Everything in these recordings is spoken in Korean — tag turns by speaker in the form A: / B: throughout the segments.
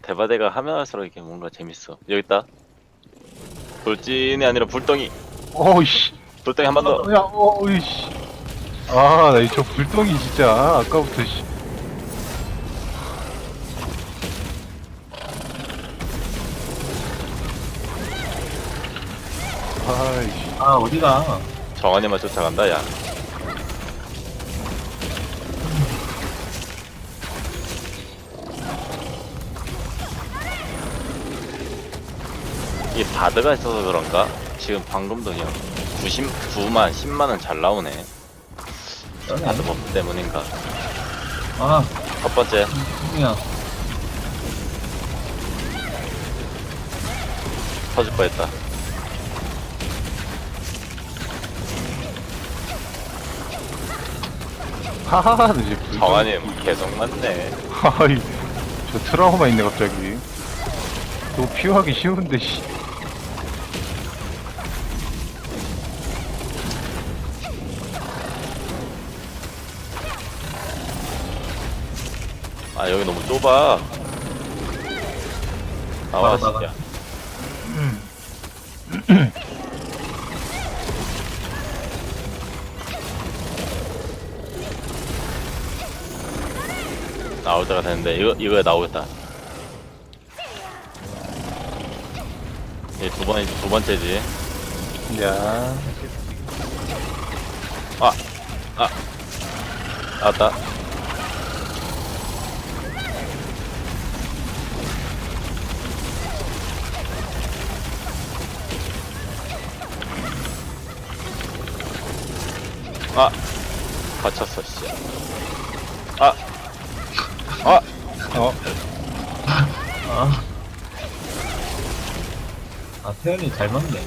A: 대바대가 하면 할수록 이게 뭔가 재밌어. 여기 있다. 돌진이 아니라 불덩이.
B: 어이씨.
A: 불덩이 한 번 더.
B: 야, 어이씨. 아, 나 저 불덩이 진짜 아까부터 씨. 아이씨.
C: 아, 어디가?
A: 정한이만 쫓아간다, 야. 이게 바드가 있어서 그런가? 지금 방금도 그냥 9만, 10만은 잘 나오네. 바드 법 때문인가?
C: 아,
A: 첫 번째,
C: 누구야?
A: 터질 뻔했다.
B: 하하하, 나 이제 불덩이.
A: 정한이 계속 맞네.
B: 아이, 저 트라우마 있네, 갑자기. 너무 피하기 쉬운데, 씨.
A: 아, 여기 너무 좁아. 나와,
C: 나가.
A: 진짜. 나올 때가 됐는데, 이거에 나오겠다. 이게 두 번째지.
B: 야.
A: 나왔다. 아! 갇혔어, 씨. 아! 아!
B: 어,
C: 아. 아, 태연이 잘 맞네.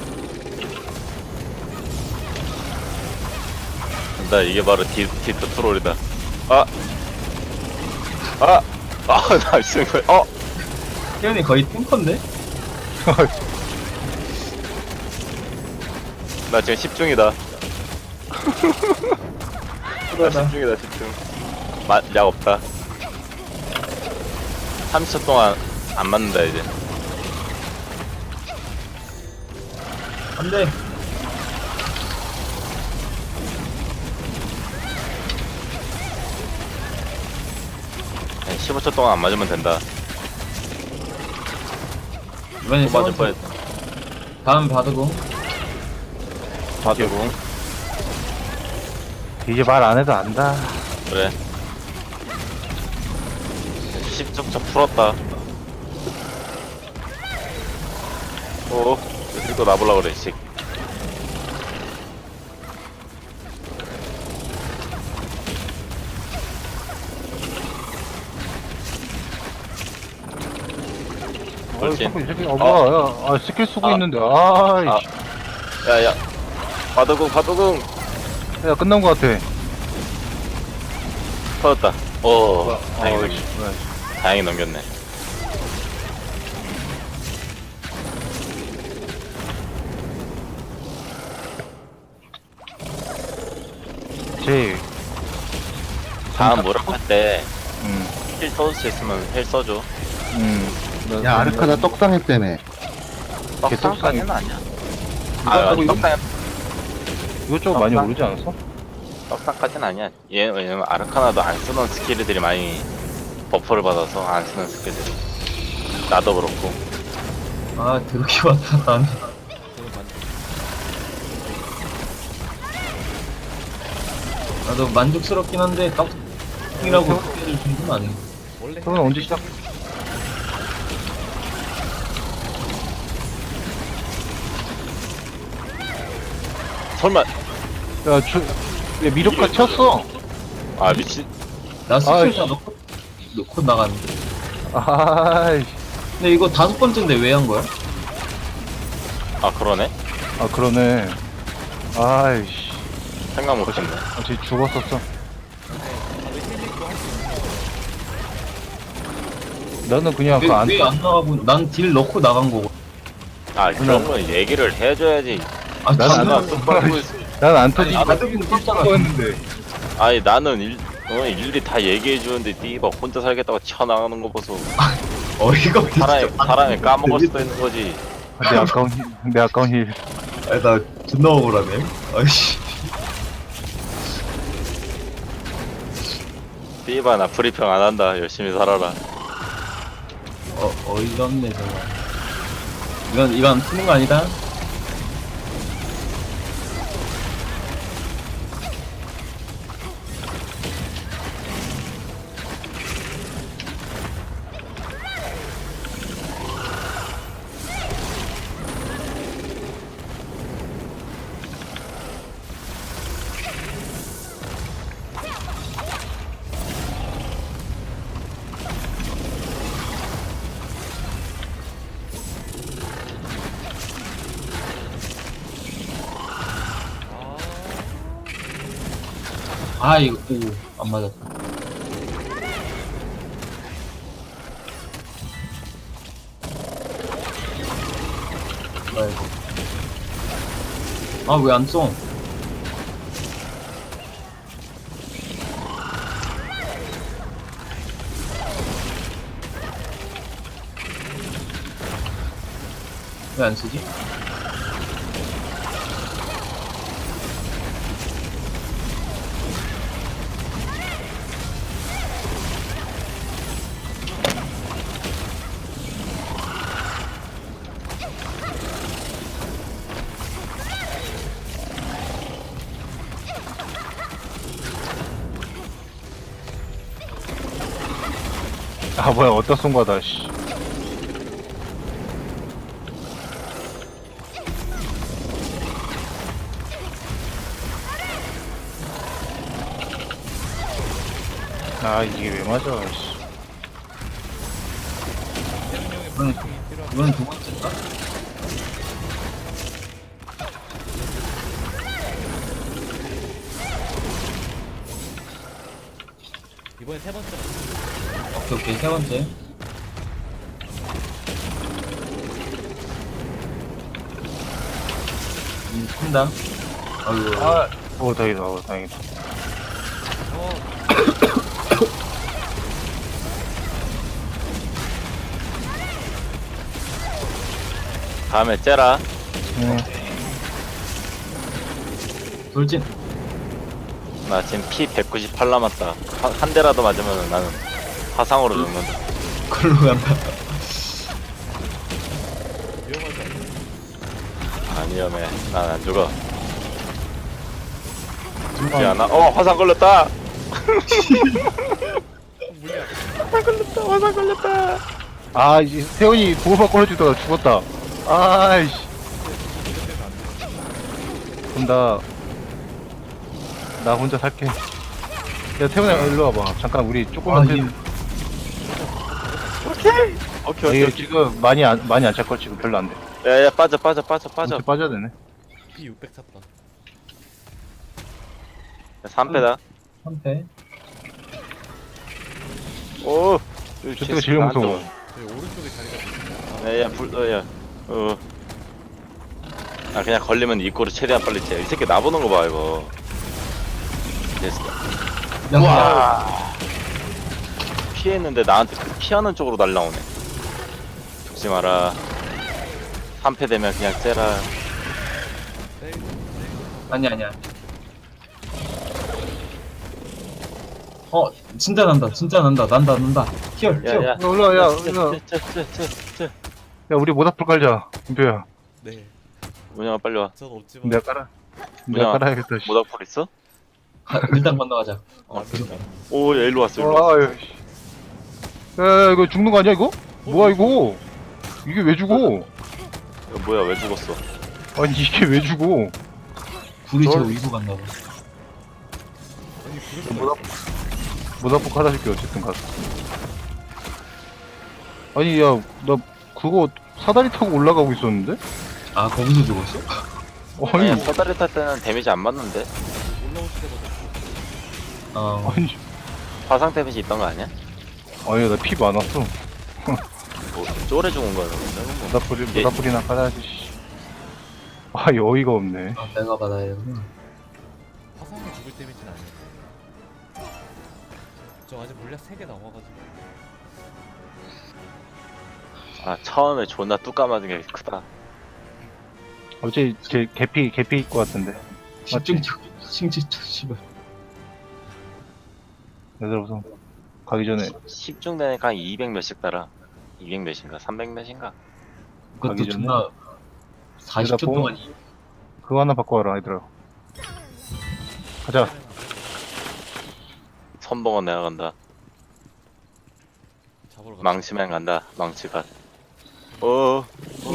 A: 나 이게 바로 디트 트롤이다. 아! 아! 아, 나 지금 거
C: 태연이 거의 탱커인데?
A: 나 지금 10중이다. 나
C: 그러다.
A: 10중이다, 10중. 약 없다. 30초 동안 안 맞는다, 이제.
C: 안 돼.
A: 15초 동안 안 맞으면 된다.
C: 이번에
A: 또 맞을
C: 세 번째.
A: 뻔했다.
C: 다음 받으고.
A: 바둑궁.
B: 이제 말 안 해도 안다.
A: 그래. 10점 풀었다. 오, 이거 나보려 그래, 씨. 돌진.
B: 자꾸 이 새끼, 뭐야, 야, 스킬 쓰고
A: 아.
B: 있는데, 아이씨.
A: 야야. 바둑궁.
B: 야, 끝난 거 같아.
A: 터졌다. 오, 다행히
B: 아이씨,
A: 다행히 넘겼네.
B: 제,
A: 다음 무릎 할 때 힐
B: 음,
A: 써줄 수 있으면 힐 써줘.
D: 야 아르카나 떡상했다며.
A: 떡상까지는 아니야.
B: 이거
A: 떡상
B: 이것저것 많이 오르지 않았어?
A: 떡상까지는 아니야. 얘 왜냐면 아르카나도 안 쓰던 스킬들이 많이 버프를 받아서 안 쓰는 스킬들이. 나도 그렇고.
C: 아, 더럽게 왔다, 나는. 나도 만족스럽긴 한데, 떡이라고 소리를 준건 아니야.
B: 그건 언제 시작?
A: 설마.
B: 야, 야, 미력가 쳤어.
A: 아 미친.
C: 나 스킬
B: 아이씨.
C: 다 넣고 나갔는데.
B: 아이씨.
C: 근데 이거 5번째인데 왜 한 거야?
A: 아 그러네.
B: 아, 그러네. 아이씨.
A: 생각 못했네.
B: 아, 쟤 죽었었어. 나는 그냥 그 안,
C: 왜 안 나가고, 난 딜 넣고 나간 거고.
A: 아 그런 건 얘기를 해줘야지.
C: 아,
B: 난
C: 나는,
A: 나는 똑바로 있어.
B: 난안 터지고
C: 아, 나도 떴잖아.
B: 했는데.
A: 아니 나는 일일이 다 얘기해 주는데 니가 혼자 살겠다고 튀어나가는 거 보소.
C: 어이가 없네.
A: 사람이 까먹을 수도 있는 거지.
B: 내 아까운 힐.
C: 아니, 나 존나 억울하네. 아이씨.
A: 삐바 나 브리핑 안 한다. 열심히 살아라.
C: 어이가 없네, 정말. 이건 쓰는 거 아니다? 아, 이거, 오, 안 맞았다. 아이고. 아, 왜 안 써? 왜 안 쓰지?
B: 아 뭐야 어디다 쏜 거다 씨. 아 이게 왜 맞아 씨.
C: 이번엔 두 번째인가?
E: 이번에 세 번째.
C: 오케이, 세 번째. 큰다. 아이고.
B: 아, 다행이다, 다행이다.
A: 다음에 째라.
B: 응.
C: 돌진.
A: 나 지금 피 198 남았다. 한 대라도 맞으면 나는 화상으로 죽는다.
C: 글로 간다.
E: 위험하지 않아?
A: 안 위험해. 난 안 죽어. 죽지 않아. 화상 걸렸다.
E: 물리야.
A: 화상 걸렸다.
B: 아, 이제 태훈이 보호막 걸어주다가 죽었다. 아이씨. 그럼 나 혼자 살게. 야, 태훈아, 일로 와봐. 잠깐, 우리 조금만 더.
A: 오케이.
B: 이거 지금 많이 안 찰걸, 지금 별로 안 돼.
A: 야야 빠져.
B: 이렇게 빠져야 되네.
E: 피 600 찼다.
A: 3패다.
C: 3패.
A: 오.
B: 저때가 제일 무서워.
E: 저기 오른쪽에 자리가 있어.
A: 야야 아 그냥 걸리면 입구로 최대한 빨리 째. 이 새끼 나보는 거 봐 이거. 됐어.
C: 와.
A: 피했는데 나한테 그 피하는 쪽으로 날라오네. 죽지 마라. 3패 되면 그냥 째라.
C: 아니야. 진짜 난다. 난다. 튀어.
A: 야야.
B: 올라, 야, 야.
A: 째.
B: 야, 우리 모닥불 깔자. 김표야.
E: 네.
A: 문영아 빨리 와.
E: 전 없지만.
B: 내가 깔아.
A: 뭐야?
B: 내가 깔아야겠다, 씨.
A: 모닥불 있어?
C: 일단 건너가자.
A: 오, 야, 일로 왔어, 일로 왔어.
B: 아유, 씨. 야, 이거 죽는 거 아니야, 이거? 뭐야, 이거? 이게 왜 죽어?
A: 이거 뭐야, 왜 죽었어?
B: 아니, 이게 왜 죽어?
C: 불이 저 위로 갔나 봐.
E: 아니 부르면
B: 모닥불 깔아줄게, 어쨌든 가서. 아니, 야, 나 그거 사다리 타고 올라가고 있었는데?
C: 아, 거기서 죽었어?
B: 아니,
A: 아니, 사다리 탈 때는 데미지 안 맞는데?
E: 올라오실 때마다
B: 아니,
A: 화상 데미지 있던 거 아니야?
B: 아니, 나 피 많았어.
A: 뭐, 쫄에 죽은 거야, 그러면. 예.
B: 모닥불이나 깔아야지, 씨. 아, 어이가 없네.
C: 아, 내가 받아야 되구나.
E: 화상을 죽을 데미지는 아니야. 저 아직 물약 3개 남아가지고.
A: 아 처음에 존나 뚜까 맞은 게 크다.
B: 어제 제 개피일 것 같은데.
C: 집중력 신지쳐 씨발.
B: 얘들아 우선 가기 전에
A: 10중 되니까 한 200 몇씩 달아. 200 몇인가 300 몇인가.
C: 그것도
B: 가기 전에?
C: 존나 40초
B: 보면-
C: 동안
B: 그거 하나 바꿔와라 얘들아. 가자.
A: 선봉은 내가 간다.
E: 잡으러 가.
A: 망치맨 간다. 망치가. 오.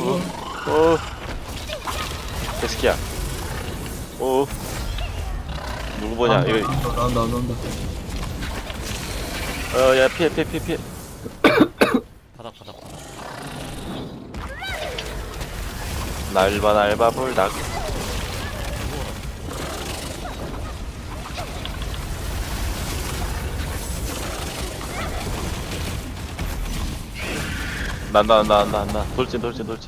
A: 개새끼야. 오. 누구 보냐? 이거.
C: 나온다.
A: 야 피해.
E: 바닥.
A: 날바 불닭. 난다. 돌진.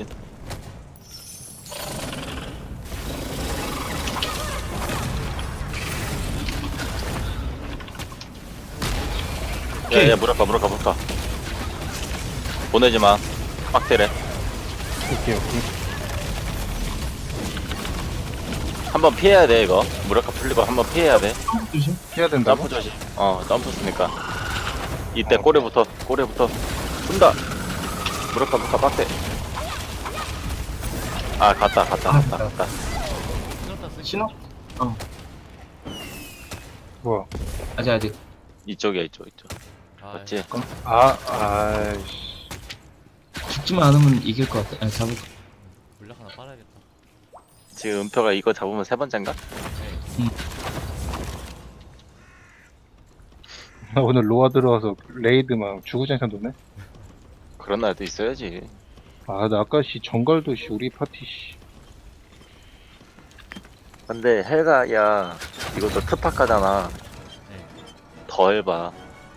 A: 야, 물어까. 보내지 마. 빡대래.
B: 오케이.
A: 한번 피해야 돼, 이거. 무라카 풀리고 한번 피해야 돼.
C: 조심.
B: 해야 된다고?
A: 점프 조심. 점프 쓰니까. 이때 꼬리부터. 쏜다. 무라카 빡대. 아, 갔다.
E: 신었다 쓰기.
C: 신호?
B: 뭐야?
C: 아직.
A: 이쪽이야, 이쪽.
E: 아,
A: 맞지?
B: 아이씨.
C: 죽지만 않으면 이길 것 같아. 아니 잡을 거.
E: 물약 하나 빨아야겠다.
A: 지금 은표가 이거 잡으면 세 번째인가?
B: 나 오늘 로아 들어와서 레이드 막 주구장창 도네.
A: 그런 날도 있어야지.
B: 아, 나 아까 정갈도 우리 파티
A: 근데 헬가, 야, 이것도 특파카잖아.
E: 네.
A: 더 해봐.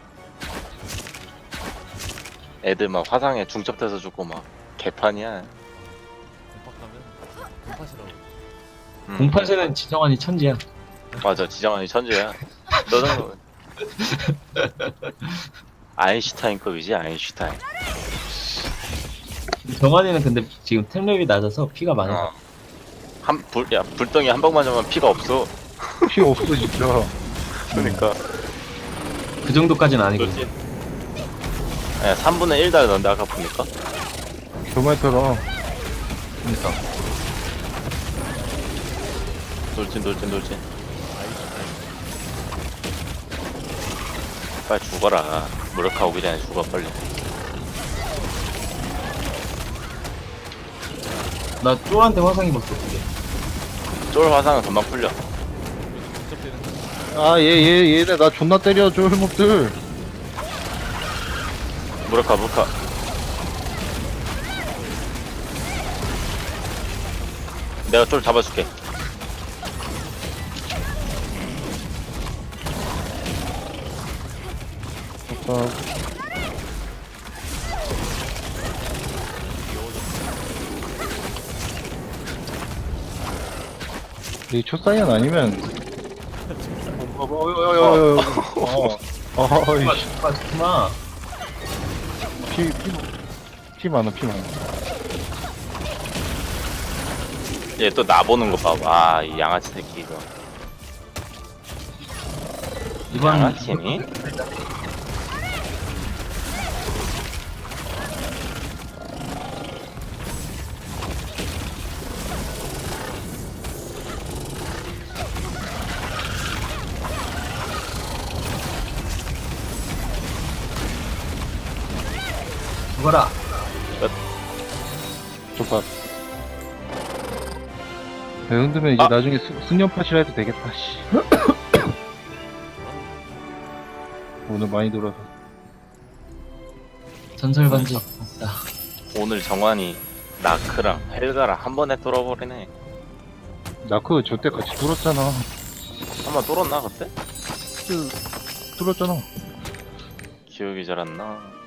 A: 애들 막 화상에 중첩돼서 죽고 막 개판이야.
E: 공파 가면 공파시라고.
C: 공판세는 지정환이 천지야.
A: 맞아, 지정환이 천재야. 너 정도. 아인슈타인급이지, 아인슈타인.
C: 정환이는 근데 지금 템랩이 낮아서 피가 많아.
A: 불덩이 한 방만 잡으면 피가 없어.
B: 피 없어 진짜.
A: 그러니까.
C: 그 정도까지는 아니고.
A: 그렇지. 야, 3분의 1 달던데, 아까 보니까.
B: 교마이터랑
C: 그러니까.
A: 돌진. 빨리 죽어라. 무력화 오기 전에 죽어, 빨리.
C: 나 쫄한테 화상 입었어. 그게.
A: 쫄 화상은 금방 풀려.
E: 직접되는
B: 얘네 나 존나 때려 쫄목들.
A: 무력화. 내가 쫄 잡아줄게.
B: 이 초사이언 아니면
C: 정말.
B: 피 많아.
A: 얘 또 나보는 거 봐봐. 이 양아치 새끼 이거.
C: 이번
A: 양아치니?
C: 죽어라.
B: 족밥. 이 정도면 이제 나중에 승연파실 해도 되겠다. 씨. 오늘 많이 돌아서.
C: 전설 반지.
A: 오늘 정환이 나크랑 헬가랑 한 번에 뚫어버리네.
B: 나그 저때 같이 뚫었잖아.
A: 한 번 뚫었나 그때?
B: 뚫었잖아.
A: 기억이 잘 안 나.